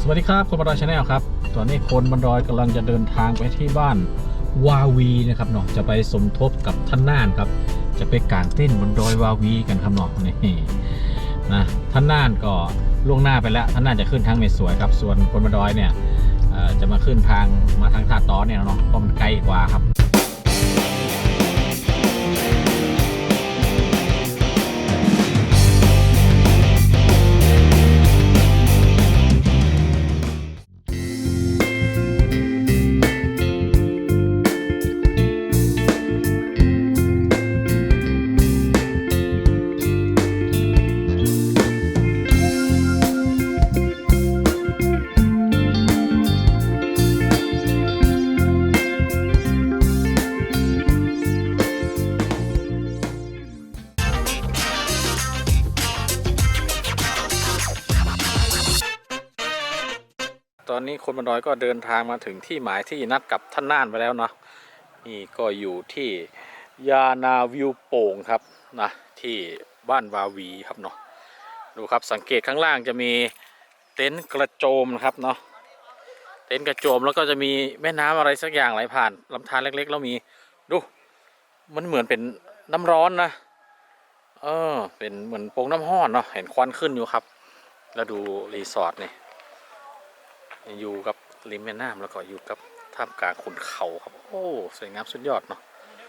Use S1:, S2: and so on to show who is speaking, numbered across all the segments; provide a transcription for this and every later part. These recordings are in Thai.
S1: วัสดีครับคนบรรดอยชาแนลครับตอนนี้คนบรรดอยกำลังจะเดินทางไปที่บ้านวาวีนะครับเนาะจะไปสมทบกับท่านน่านครับจะไปกางเต้นบนดอยวาวีกันครับเนาะนี่นะท่านน่านก็ล่วงหน้าไปแล้วท่านน่านจะขึ้นทางเมสวยครับส่วนคนบรรดอยเนี่ยจะมาขึ้นทางท่าต้อเนี่ยเนาะเพราะมันไกลกว่าครับตอนนี้คนบรรดอยก็เดินทางมาถึงที่หมายที่นัดกับท่านน่านไปแล้วเนาะนี่ก็อยู่ที่ยานาวิวโป่งครับนะที่บ้านวาวีครับเนาะดูครับสังเกตข้างล่างจะมีเต็นท์กระโจมนะครับเนาะเต็นท์กระโจมแล้วก็จะมีแม่น้ำอะไรสักอย่างไหลผ่านลำธารเล็กๆแล้วมีดูมันเหมือนเป็นน้ำร้อนนะเป็นเหมือนโป่งน้ำห้อนเนาะเห็นควันขึ้นอยู่ครับแล้วดูรีสอร์ทนี่อยู่กับริมแม่น้ำแล้วก็อยู่กับท่ามกลางขุนเขาครับโอ้สวยงามสุดยอดเนาะ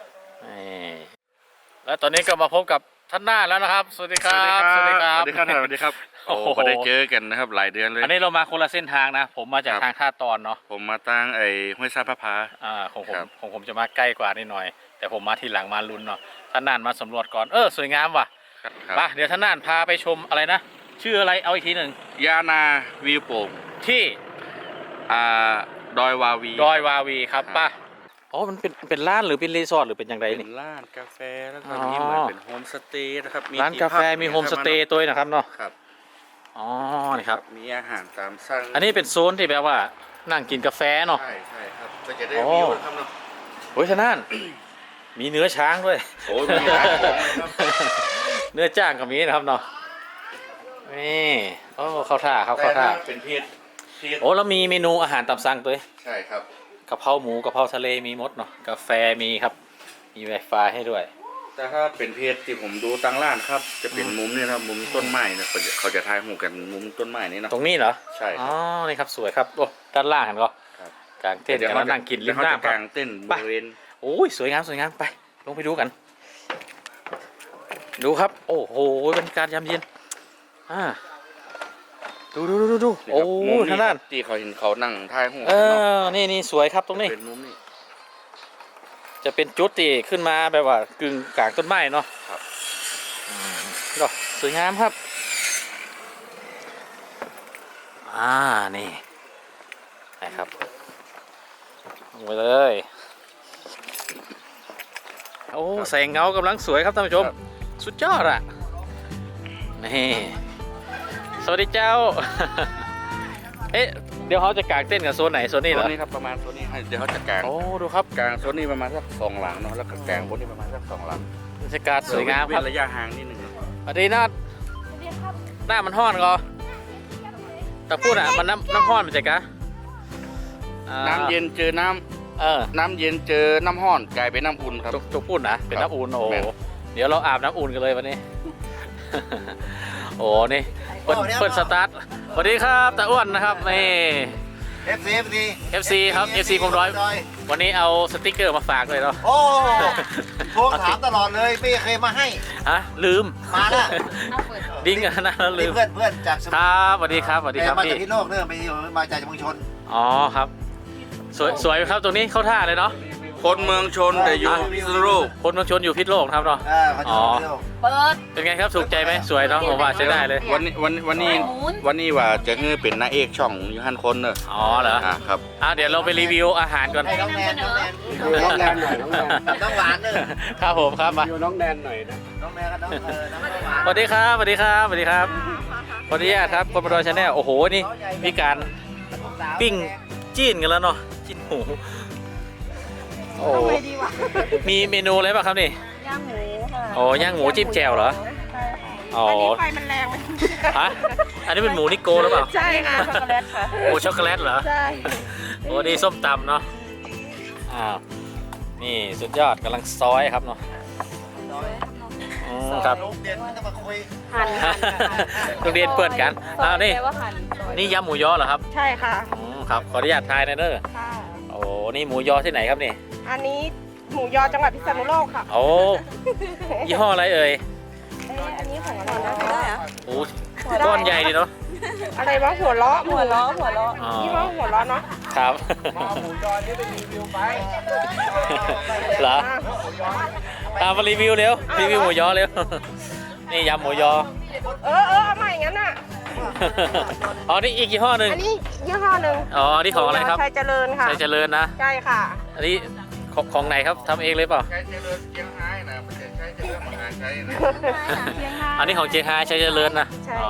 S1: แล้วตอนนี้ก็มาพบกับท่านน่านแล้วนะครับสวัสดีครับ
S2: สวัสดีครับสวัสดีครับสวัสดีครับโอ้ไม่ได้เจอกันนะครับหลายเดือนเลย
S1: อันนี้เรามาคนละเส้นทางนะผมมาจากทางท่าตอนเนาะ
S2: ผมมาตั้งห้วยซาพะพา
S1: ของผมจะมาใกล้กว่านิดหน่อยแต่ผมมาทีหลังมาลุ้นเนาะท่านน่านมาสำรวจก่อนสวยงามว่ะมาเดี๋ยวท่านน่านพาไปชมอะไรนะชื่ออะไรเอาอีกทีหนึ่ง
S2: ยานาวิวโป่ง
S1: ที่
S2: ดอยวา
S1: วีครับป่ะอ๋อมันเป็นร้านหรือเป็นรีสอร์ทหรือเป็นอย่างไรนี่
S2: เป็นร้านกาแฟแล้วก็มีเหมือนเป็นโฮมสเตย์นะครับ
S1: ร้านกาแฟมีโฮมสเตย์ตัวนะครับเนาะ
S2: ครับ
S1: อ๋อนี่ครับ
S2: มีอาหารตามสั่ง
S1: อันนี้เป็นโซนที่แบบว่านั่งกินกาแฟเนาะ
S2: ใช่ครับก็จะได้วิวครับเนาะ
S1: โอ้ยท่านน่านมีเนื้อช้างด้วย
S2: โอ้ยมีหลายของครับ
S1: เนื้อจ้างก็มีนะครับเนาะนี่เข้าท่า
S2: เป็นเพศ
S1: โอ้แล้วมีเมนูอาหารตามสั่งตัว
S2: ใช่ครับ
S1: กะเพราหมูกะเพราทะเลมีหมดเนาะกาแฟมีครับมีไวไฟให้ด้วย
S2: แต่ถ้าเป็นเพจที่ผมดูตั้งร้านครับจะเป็นมุมนี่นะมุมต้นไม้นะเขาจะถ่ายหูกันมุมต้นไม้นี่นะ
S1: ตรงนี้เหรอ
S2: ใช่
S1: อ๋อนี่ครับสวยครับโอ้ด้านล่างเห็นก็กางเต้นกันนั่งกินริมน้ำ
S2: กางเต้นบริเวณ
S1: โอ้ยสวยงามไปลงไปดูกันดูครับโอ้โหบรรยากาศยามเย็นดูโอ้ท่านน่าน
S2: ที่เขาเห็นเขานั่งถ่ายหู
S1: นี่สวยครับตรงนี้
S2: เป็นมุมนี้
S1: จะเป็นจุดที่ขึ้นมาแบบว่ากึ่งกลางต้นไม้เนาะ
S2: ครับ
S1: ก็สวยงามครับนี่นะครับลงไปเลยโอ้แสงเงากำลังสวยครับท่านผู้ชมสุดยอดอ่ะนี่สวัสดีเจ้าเดี๋ยวเขาจะกางเต้นกับโซนไหนโซนนี้เหรอ
S2: นี่ครับประมาณโซนนี้เดี๋ยวเขาจะกาง
S1: ดูครับ
S2: กางโซนนี้ประมาณสัก2 หลังเนาะแล้วก็กางบนนี้ประมาณสัก2 หลัง
S1: บรรยากาศสวยงามครับ
S2: ระยะห่างนิดนึง
S1: สวัสดีน้าหน้ามันห้อนก็แต่พูดมันน้ำห้อนมันจะกะ
S2: น้ำเย็นเจอน้ำเย็นเจอน้ำห้อนกลายเป็นน้ำอุ่นครับ
S1: จุกพูดนะเป็นน้ำอุ่นโอ้เดี๋ยวเราอาบน้ำอุ่นกันเลยวันนี้โอ้นี่เปิดสตาร์ทสวัสดีครับตาอ้วนนะครับนี่ FC ครับ FC ผมร้อยวันนี้เอาสติ๊กเกอร์มาฝากเลยเนาะ
S3: โอ้ทวงถามตลอดเลยไม่เคยมาให้
S1: ลืม
S3: มาแล้ว
S1: ดิ้งกันนะลืม
S3: เพื่อนจาก
S1: ครับสวัสดีครับพี่
S3: มาจากที่โลกเนี่ยมาจากเมืองชน
S1: อ๋อครับสวยครับตรงนี้เข้าท่าเลยเนาะ
S2: คนเมืองชนแต่อยู่พิษณุโลก
S1: คนเมืองชนอยู่พิษณุโลกครับเนาะ
S3: อ๋อ
S1: เปิดเป็นไงครับถูกใจไหมสวยเนาะผมว่าใช้ได้เลย
S2: วันนี้ว่าจะเงือเป็นนางเอกช่องอยู่หันคนเนอะ
S1: อ๋อเหรอ
S2: ครับ
S1: เดี๋ยวเราไปรีวิวอาหารก่อน
S3: น้องแนนหน่อยน้องหวานเนอะ
S1: ครับผมครับมา
S3: น้องแนนหน่อยนะน้องแนนกับน้องหวาน
S1: สวัสดีครับขออนุญาตครับคนบรรดาชาแนลโอ้โหนี่มีการปิ้งจีนกันแล้วเนาะจีนหมูโอ้มีเมนูอะไรบ้างครับนี่
S4: ย่างหมูค่ะ
S1: ย่างหมูจิ้มแจ่วเหรอ
S4: ใช่ค่ะ
S1: อ๋อ
S4: อันนี้ไฟมันแรงไหม
S1: ฮะอันนี้เป็นหมูนิโกหรือเปล่า
S4: ใช่ค่ะช็อกโกแลตค่ะ
S1: หมูช็อกโกแลตเหรอ
S4: ใช่
S1: โอ้นี่ส้มตำเนาะอ้าวนี่สุดยอดกำลังซอยครับเนาะอืมครับ
S3: โรงเรียนไม่ต้องมาคุย
S4: หั่น
S1: โรงเรียนเปิดกันอ้าวนี่
S4: แปลว่าหั่นซอย
S1: นี่ยำหมูยอเหรอครับ
S4: ใช่ค่ะ
S1: อืมครับขออนุญาตทายหนะเด้อ
S4: ค่ะ
S1: โอ้นี่หมูยอที่ไหนครับนี่
S4: อันนี้หมูยอจังหวัดพิษณุโลกค่ะ
S1: โอ้ยี่ห้ออะไรเอ่ย
S4: อันนี้ของอะไรนะได้อะ
S1: โอ้ก้อนใหญ่ดีเนาะ
S4: อะไรวะหัวล้อหัวล้อ
S1: อ๋อ
S4: นี่ว่าหัวล้อเนาะ
S1: ครับ
S3: หมูยอนี่เป็นรีวิวไป
S1: เหรอตามมารีวิวเร็วรีวิวหมูยอเร็วนี่ยำหมูยอ
S4: เอาใหม่งั้นน่ะ
S1: อ๋อนี่อีกยี่ห้อหนึ่ง
S4: อันนี้ยี่ห้อหนึ่ง
S1: อ๋อนี่ของอะไรครับ
S4: ชัยเจริญค่ะ
S1: ชัยเจริญนะ
S4: ใช่ค่ะ
S1: อันนี้ของไหนครับทำเองเลยเปล่า
S2: ใช้เจริญเชียงรายนะไม่ใช่ใช้เจริญมหาชัยนะ
S1: อันนี้ของเจียงไฮ้ชัยเจริญนะ
S4: ใช่
S1: อ๋อ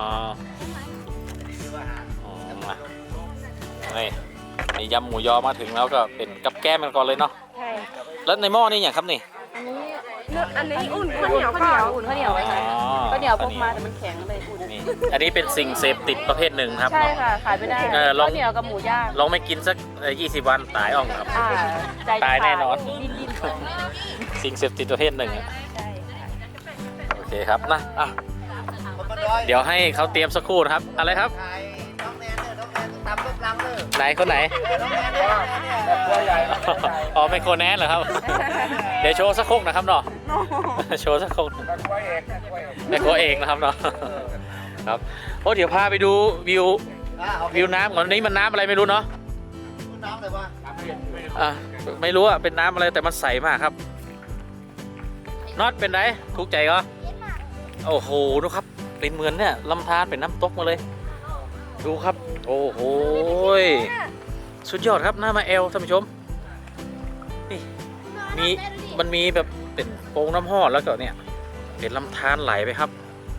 S1: อ๋อมานี่นี่ยำหมูยอมาถึงแล้วก็เป็นกับแก้มกันก่อนเลยเนาะ
S4: ใช่
S1: แล้วในหม้อนี่อย่างครับนี่
S4: อันนี้อุ่นข้าวเหนียวค่ะ
S5: อุ่นข้าวเหนียวไว้
S1: อ๋
S5: ค่ะ
S1: อ
S5: ข้าวเหนียวพกมาแต่มันแข็งเลยอุ่น
S1: นี่อันนี้เป็นสิ่งเสพติดประเภทหนึ่งครับ
S5: ใช่
S1: เนาะ
S5: ค่ะ ขายไม่ได้
S1: ลอง
S5: ข้าวเหนียวกับหมูย่าง
S1: ลองไม่กินสัก20 วันตายอ่องครับ
S5: ใจ
S1: ตายแน่นอน
S5: ดิ้น
S1: สิ่งเสพติดประเภทหนึ่งอะ
S5: ๆใช่
S1: โอเคครับนะอ่ะ
S3: คนมาดอย
S1: เดี๋ยวให้เขาเตรียมสักครู่นะครับอะไรครับ
S3: ถ่ายน้องแนนเนี่ยน้องแนนตำต้มลังเลย
S1: ไหนคนไหน
S3: น้องแนนเนี่ยตัวใหญ่
S1: อ๋อเป็นโคแนนเหรอครับ เดี๋ยวโชว์สักครกนะครับเนาะ โชว์สักครกแม่ครัวเองนะครับเนาะครับโอ้เดี๋ยวพาไปดูวิว
S3: โอเค
S1: วิวน้ำก่อนนี้มันน้ำอะไรไม่รู้เนาะ
S3: น้ำเลยวะ
S1: อ่ะไม่รู้อ่ะเป็นน้ำอะไรแต่มันใสมากครับน็อตเป็นไรถูกใจก็โอ้โหดูครับเป็นเหมือนเนี่ยลำธารเป็นน้ำตกมาเลย ดูครับ โอ้โหสุดยอดครับหน้ามาเอลท่านผู้ชมนี่มันมีแบบเป็นโป่งน้ำห้อแล้วก็เนี่ยเป็นลำธารไหลไปครับ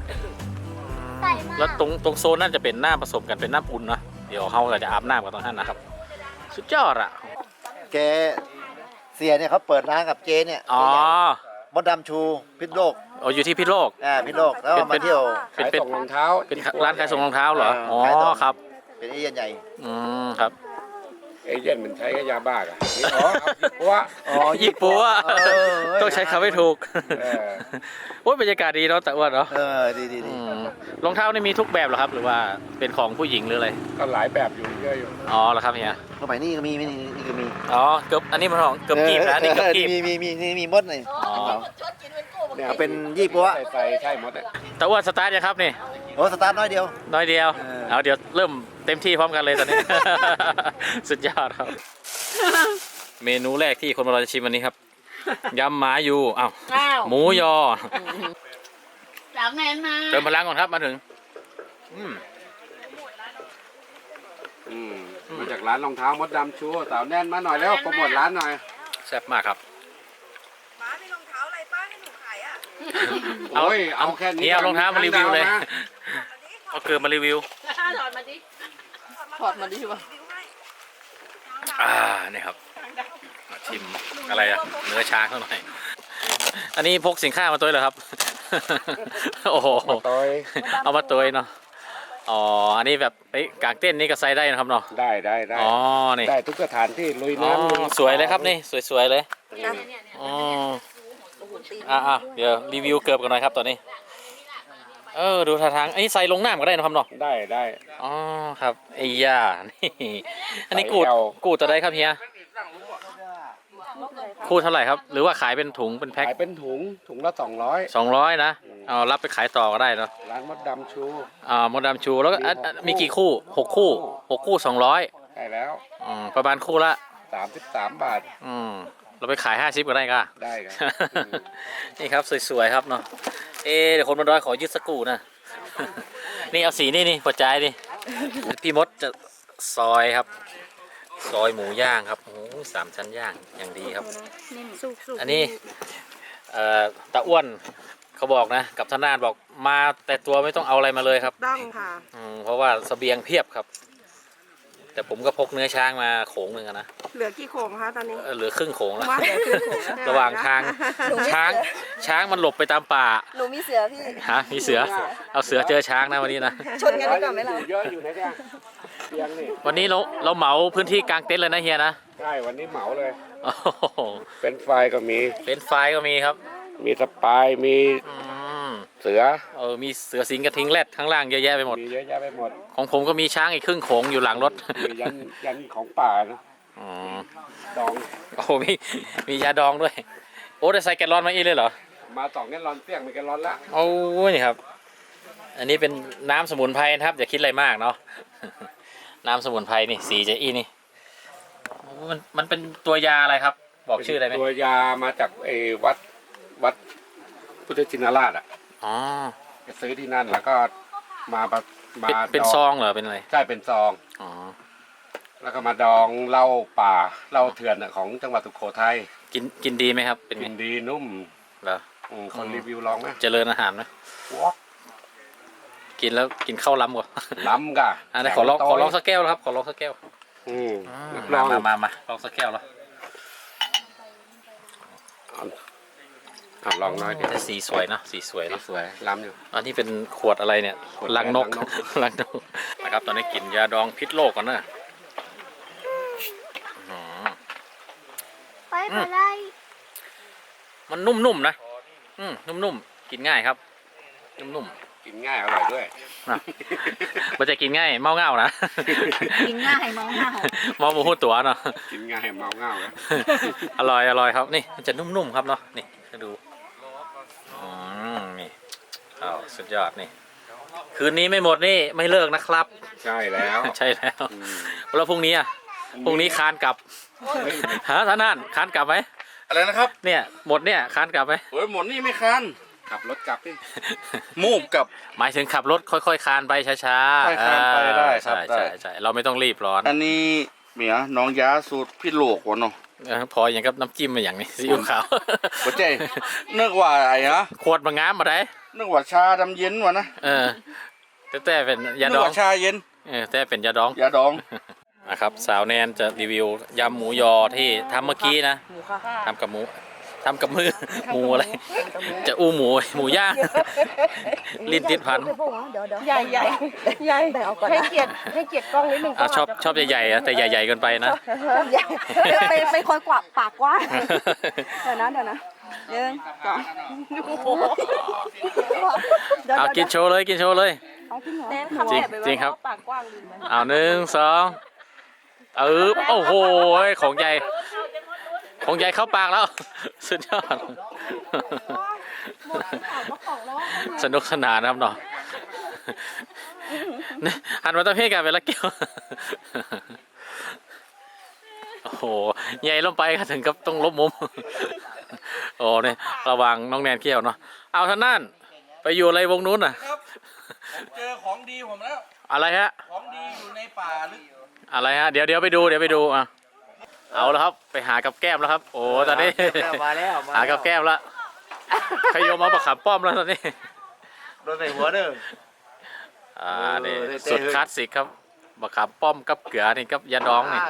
S1: แล้วตรงโซนนั่นจะเป็นน้ำผสมกันเป็นน้ำอุ่นนะเดี๋ยวเขาจะอาบน้ำกันตรงนั้นนะครับ สุดยอดอ่ะ
S3: แกเสียเนี่ยเขาเปิดร้านกับเจเนี่ย
S1: อ๋อ
S3: มดดำชูพิษโลก
S1: อยู่ที่พิษโลก
S3: พิษโลกแล้วก็มาเที่ยว
S1: เป็นรองเท้าเป็นร้านขายส่งรองเท้าเหรออ๋อ
S3: ขายส่ง
S1: ครับ
S3: เป็นเอเย่นใหญ่
S1: อืมครับ
S6: เอเย่นมันใช้กับยาบ้าอ่ะอ๋อเพราะว่า
S1: ญี่ปุ่นต้องใช้คำให้ถูก
S6: เออ
S1: โอ้ยบรรยากาศดีเนาะแต่อ้วนเนาะ
S3: ดีดี
S1: อืมรองเท้านี่มีทุกแบบเหรอครับ หรือว่าเป็นของผู้หญิงหรืออะไร
S6: ก็หลายแบบอยู่เยอะอยู่
S1: อ๋อเหรอครับเฮีย
S3: สมัยนี้ก็มีนี่ก็มี
S1: อ๋อเกือบอันนี้มันของเกือบกีบนะนี่เกือบกีบ
S3: มีมดเลย
S1: อ๋อ
S6: เนี่ย
S3: เป็นยี่ปัว
S6: ใส่ใช่หมดเลย
S1: แต่อ้วนสตาร์ทยังครับนี่
S3: โอ้สตาร์ทน้อยเดียว
S1: น้อยเดียว
S3: เออ
S1: เอาเดี๋ยวเริ่มเต็มที่พร้อมกันเลยตอนนี้ สุดยอดครับ เมนูแรกที่คนมาเราจะชิมวันนี้ครับยำหมาอยู่อ้าวหมูยอ
S5: จากแนนมา
S1: เติมพลังก่อนครับมาถึง
S6: มาจากร้านรองเท้ามดดำชูสาวแน่นมาหน่อยแล้วโปรโมทร้านหน่อย
S1: แซ่บมากครับ
S4: ป้ามีรองเท้าอะไรป้าให้หนูขายอ่ะ
S6: โอ้ยเอาแค่นี้
S1: นี่เอารองเท้ามารีวิวเลย
S6: นะ
S1: เอาเกลือมารีวิว
S5: ถอดมาดิถอดมาดิวะ
S1: นี่ครับมาชิมอะไรอะเนื้อช้างเขาหน่อยอันนี้พกสินค้ามาตัวเหรอครับ โอ้โห
S6: ต่อย
S1: เอามาตัวเนาะอ๋ออันนี้แบบกางเต้นนี่ก็ใส่ได้นะครับเนาะ
S6: ได้
S1: อ๋อนี่
S6: ได้ทุกสถานที่ลุย
S1: อ๋อ
S6: น้ำลุ
S1: สวยเลยครับนี่สวยๆเลยอ๋อเดี๋ยวรีวิวเกือบกันหน่อยครับตอนนี้ดูท่าทางอันนี้ใส่ลงน้ำก็ได้นะครับเนาะ
S6: ได้
S1: อ๋อครับไอ้ย่านี่อันนี้กูดตัวใดครับเฮียคูดเท่าไหร่ครับ หรือว่าขายเป็นถุงเป็นแพ็ค
S6: ขายเป็นถุงละ200
S1: 200นะเอารับไปขายต่อก็ได้เนาะ
S6: ร้านมดดำชู
S1: มดดำชูแล้วก็มีกี่คู่6 คู่6 คู่200
S6: ได้แล้ว
S1: ประมาณคู่ละ
S6: 33 บาท
S1: เราไปขาย50ก็ได้ก็
S6: ได้ครับ
S1: นี่ครับสวยๆครับเนาะเดี๋ยวคนบนดอยขอยึดสักกูนะ นี่เอาสีนี่หัวใจนี่ พี่มดจะซอยครับ ซอยหมูย่างครับโอ้โห3 ชั้นย่างอย่างดีครับ อันนี้ตาอ้วนเขาบอกนะกับทนานบอกมาแต่ตัวไม่ต้องเอาอะไรมาเลยครับ
S4: ต้องค่ะ
S1: เพราะว่าเสบียงเพียบครับแต่ผมก็พกเนื้อช้างมาโขงหนึ่งอะนะ
S4: เหลือกี่โขงคะตอนนี้
S1: เหลือครึ่งโขงแล้ว
S4: ว่าเหลือครึ่งโขงแล้ว
S1: ระหว่างทางช้างมันหลบไปตามป่า
S4: หนูมีเสือพี่
S1: ฮะมีเสือเอาเสือเจอช้างนะวันนี้นะ
S4: ชนกันดีกว่าไหมเรา
S6: เยอะอยู่นะเนี่ยเตียงนี่
S1: วันนี้เราเหมาพื้นที่กลางเต็นท์เลยนะเฮียนะ
S6: ใช่วันนี้เหมาเลย
S1: โอ้โห
S6: เป็นไฟก็มี
S1: เป็นไฟก็มีครับ
S6: มีสปายมี
S1: อืม
S6: เสือ
S1: มีเสือสิงกระทิงแรดข้างล่างเยอะแยะไปหมด
S6: มีเยอะแยะไปหมด
S1: ของผมก็มีช้างอีกครึ่งโขงอยู่หลังรถ
S6: มียันของป่านะ
S1: อืม
S6: ดอง
S1: โอ้โหมียาดองด้วย โอ้ได้ใส่แกลลอนมาอีกเลยเหรอ
S6: มา2 แกลลอนเตี้ยง1 แกลลอนละ
S1: โอ้นี่ครับ อันนี้เป็นน้ำสมุนไพรนะครับอย่าคิดอะไรมากเนาะ น้ำสมุนไพรนี่สีจะอีนี่โอ้มันเป็นตัวยาอะไรครับ บอกชื่อได้ไหม
S6: ตัวยามาจากวัดพุทธชินราชอ่ะ
S1: อ๋อ
S6: ไปซื้อที่นั่นแล้วก็มา
S1: เป็น
S6: ดอง
S1: ซองเหรอเป็นอะไร
S6: ใช่เป็นซอง
S1: อ๋อ
S6: แล้วก็มาดองเหล้าป่าเหล้าเถื่อนอะของจังหวัดสุโขทัย
S1: กินดีไหมครับ เป็น
S6: กิ
S1: ไง
S6: นดีนุ่ม
S1: เหรอ
S6: คนรีวิวลองไหม
S1: เจริญอาหารไหม
S6: วอก
S1: กินแล้วกินข้าวล้ำกว่า
S6: ล้ำกะ
S1: อันนี้ขอลองสักแก้วแล้วครับขอลองสักแก้ว
S6: ลอง
S1: มาลองสักแก้วแล้ว
S6: ลองน้อยเดียว
S1: แต่สีสวยนะสีสวยนะ
S6: สวยล้ำอยู่
S1: อันนี้เป็นขวดอะไรเนี่ย
S6: ขวด
S1: ลังนก
S6: ลังนก
S1: ลังนกนะครับตอนนี้กินยาดองพิษโลกก่อนนะ
S4: ไปไปได้
S1: มันนุ่มๆนะนุ่มๆกินง่ายครับนุ่ม
S6: กินง่ายอร่อยด้วย
S1: ๆนะมันจะกินง่ายเมาเง่านะ
S5: กินง่ายมองหน้า
S1: เมาหมูหูตัวเนาะ
S6: กินง่ายเมาเง่านะ
S1: อร่อยครับนี่มันจะนุ่มๆครับเนาะนี่ให้ดูนี่อ้าวสุดยอดนี่คืนนี้ไม่หมดนี่ไม่เลิกนะครับ
S6: ใช่แล้ว
S1: ใช่แล้วแล้วพรุ่งนี้อ่ะพรุ่งนี้คานกลับฮะท่านนั่นคานกลับไหม
S2: อะไรนะครับ
S1: เนี่ยหมดเนี่ยคานกลับไหม
S2: โอ้ยหมดนี่ไม่คัน
S6: ขับรถกลับดิ
S2: มูบกับ
S1: หมายถึงขับรถค่อยๆคานไปช้าๆ
S2: ค่อยๆคานไปได้ครับ
S1: ใช่
S2: ได้
S1: ใช่เราไม่ต้องรีบร้อน
S2: อันนี้เมียน้องยาสูตรพี่โลกวะเนาะ
S1: พออย่างกับน้ำจิ้มมาอย่างนี้ซีอิ๊วขาว
S2: หัวใจนึกว่าไอ้นะ
S1: ขวดมางามมาได้
S2: นึกว่าชาดำเย็นวะนะ
S1: แต่เป็นยา
S2: นึ
S1: ด
S2: ก
S1: อง
S2: ว่าชาเย็น
S1: แต่เป็นยาดอง
S2: ยาดอง
S1: นะครับสาวแนนจะรีวิวยำหมูยอที่ทำเมื่อกี้นะทำกับมือหมูอะไร จะอู้หมูย่างลิ้นติดพัน
S4: ใหญ่ให้เกียรติกล้องนิดนึง
S1: ชอบใหญ่ๆอะแต่ใหญ่ๆเกินไปนะ
S4: เป็นคนกว่าปากกว้างเดี๋ยวนะ1 2
S1: เอากินโชว์เลยจริงจริงครับเอา1 2โอ้โหของใหญ่เข้าปากแล้ว สุดยอดสนุกสนานนะครับเนาะหันมาตะเพียกันไปละเกี่ยวโอ้โหใหญ่ลงไปก็ถึงกับต้องลบมุมโอ้เนี่ยระวังน้องแนนเกี่ยวเนาะเอาท่านนั่นไปอยู่อะไรวงนู้นน่ะ
S2: ครับผมเจอของดีผมแล้ว
S1: อะไรฮะ
S2: ของดีอยู่ในป่าลึก
S1: อะไรฮะเดี๋ยวไปดูอ่ะเอาแล้วครับไปหากับแก้มแล้วครับโอ้ตอนนี้
S3: มาแล้ว
S1: หากับแก้มแล้วขยมเอาประขับป้อมแล้วตอนนี้
S3: โดนใส่หัวเด้อ
S1: นี่
S3: เออ
S1: สุดคลาสสิกครับประขับป้อมกับเกลือนี่กับยาดองนี่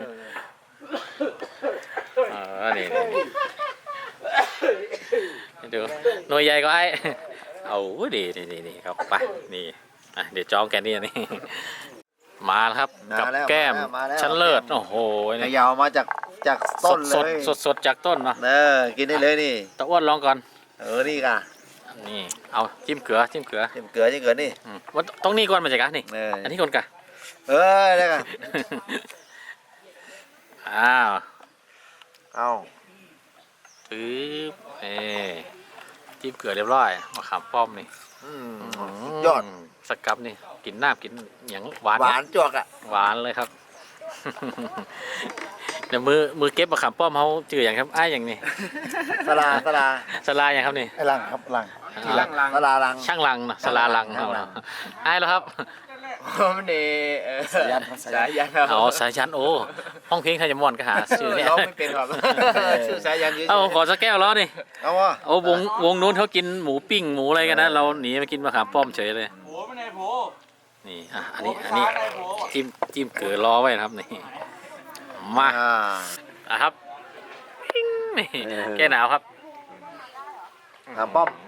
S1: นี่ดูหน่วยใหญ่ก็ไอ้เอาดีครับไปนี่เดี๋ยวจองแกนี่นี่มาแล้วครับกับแก้มชั้นเลิศโอ้โห
S3: ขยาวมาจากต้นเลย
S1: สดจากต้นเนาะ
S3: กินได้เลยนี่
S1: ตะอ้วนลองก่อน
S3: นี่ก่ะ
S1: นี่เอาจิ้มเกลือ
S3: จิ้มเกลือนี่
S1: ว่าต้องนี่ก่อนมาจากกันนี่ อันนี้ก่อนกะ
S3: ได้ก่ะ
S1: อ้าว
S3: เอา
S1: ปึ๊บจิ้มเกลือเรียบร้อยมะขามป้อมนี่
S3: ยอด
S1: สกับนี่กินน้ำกินอย่างหวาน
S3: หวานจวกอ่ะ
S1: หวานเลยครับ เดี๋ยวมือเก็บมะขามป้อมเขาจืดอย่างครับอย่างนี้
S3: สลา
S1: สลาอย่างครับนี่
S3: ไอ้ลังครับลังสลาลัง
S1: ช่างลังนะสลาลังเอาแล้วครับ
S3: มันนี่สายัน
S1: เอาสายันโอ้ห้องเพลงไทยจะม่วนก็หาชื่อเนี่ย
S3: ร้องไม่เป็นหรอกชื่อสายันเยอะ
S1: เอาขอสักแก้วแล้วนี่
S3: เอาวะ
S1: โอ้วงนู้นเขากินหมูปิ้งหมูอะไรกันนะเราหนีมากินมะขามป้อมเฉยเลย
S2: โผล่ไม่ในโผล่
S1: นี่อันนี้จิ้มเกลือรอไว้นะครับนี่มา อ่ะครับปิ้งนี่แก้หนาวครับ
S3: น้ำป้อม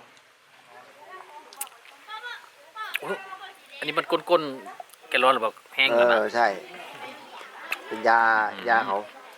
S1: อุ๊ยอันนี้มันก้นๆแกร้อนหรือเปล่าแห้งแล้วนะ
S3: ใช่ เป็นยาเขา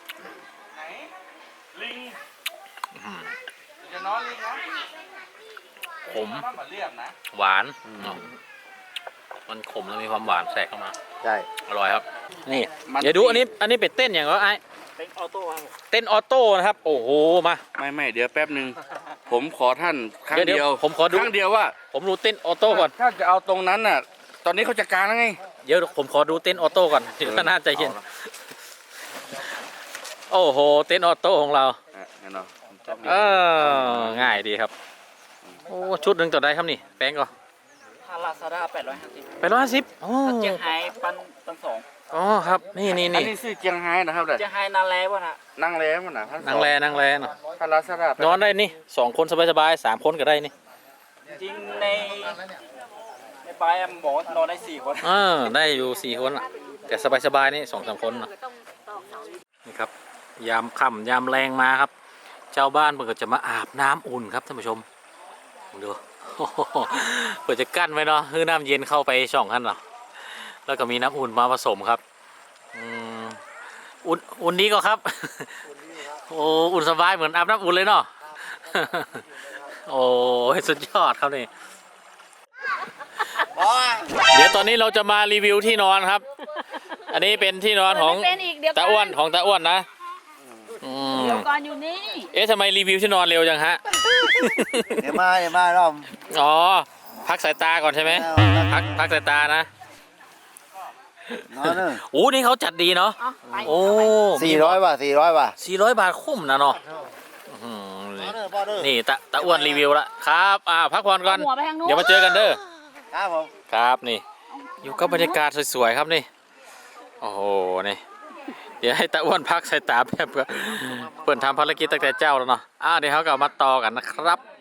S1: ขมหวานมันขมแล้วมีความหวานแทรกเข้ามา
S3: ใช่
S1: อร่อยครับ นี่เดี๋ยวดูอันนี้เป็นเต้นอย่างก็ไอ้เต้นออโต้นะครับ โอ้โหมา
S2: ไม่เดี๋ยวแป๊บหนึ่งผมขอท่านครั้ง
S1: เดี๋ยว
S2: เดียว
S1: ผมขอดู
S2: ครั้งเดียวว่า
S1: ผมดูเต้นออโต้ก่อน
S2: ถ้าจะเอาตรงนั้นน่ะ ตอนนี้เขาจัดการแล้วไง
S1: เดี๋ยวผมขอดูเต้นออโต้ก่อนเดี๋ยวน่าใจเย็นโอ้โหเต้นออโต้ของเรา
S2: แน่นอน
S1: ง่ายดีครับโอ้ชุดหนึ่งต่อได้ครับนี่แป้งก็
S7: ถ้าลาซาด้า850
S1: 850อ๋อ
S7: ถ้าเจียงไฮ้ปันสอง
S1: อ๋อครับนี่
S2: อันนี้ซื้อเจียงไฮ้นะครับเด้อ
S7: เจียงไฮ้นานแล้ววะนะ
S2: นั่งแล้วมันนะ
S1: นั่งแลเนาะ
S2: ถ้าลาซาด้าน
S1: อนได้นี่2 คนสบายๆ3 คนก็ได้นี่
S7: จริงในปลายมันบอกว่านอนได้4 คน
S1: ได้อยู่4 คนอ่ะแต่สบายๆนี่2-3 คนน่ะนี่ครับยามค่ำยามแรงมาครับชาวบ้านเพิ่นก็จะมาอาบน้ำอุ่นครับท่านผู้ชมดู เปิดจะกั้นไว้เนาะคือน้ำเย็นเข้าไปช่องขั้นเนาะแล้วก็มีน้ำอุ่นมาผสมครับอุ่นนี้ก็ครับ โอ้อุ่นสบายเหมือนอาบน้ำอุ่นเลยเนาะ โอ้สุดยอดครับนี่เดี๋ยวตอนนี้เราจะมารีวิวที่นอนครับ อันนี้เป็นที่นอนของ
S4: เป็นอีกเดี๋ยว
S1: ตาอ้วนของตาอ้วนนะ
S4: เดี๋ยวก่อนอยู่นี่
S1: เอ๊ะทำไมรีวิวที่นอนเร็วจังฮะ
S3: เดี๋ยวมารอบ
S1: อ๋อพักสายตาก่อนใช่ไหมพักสายตานะ
S3: นอนเนอะ
S1: โอ้นี่เขาจัดดีเนาะ
S4: เอาไป
S1: โอ้
S3: 400 บาท 400 บาท
S1: 400 บาทคุ้มนะเนาะอื้อหือนี่ตาอ้วนรีวิวละครับพักผ่อนก่อน
S4: หัวไปทางนู้น
S1: เดี๋ยวมาเจอกันเด้อ
S3: ครับผม
S1: ครับนี่ อยู่กับบรรยากาศสวยๆครับนี่โอ้โหนี่เดี๋ยวให้ตาอ้วนพักสายตาแป๊บเพื่อนทำภารกิจตั้งแต่เจ้าแล้วเนาะเดี๋ยวเขากลับมาต่อกันนะครับ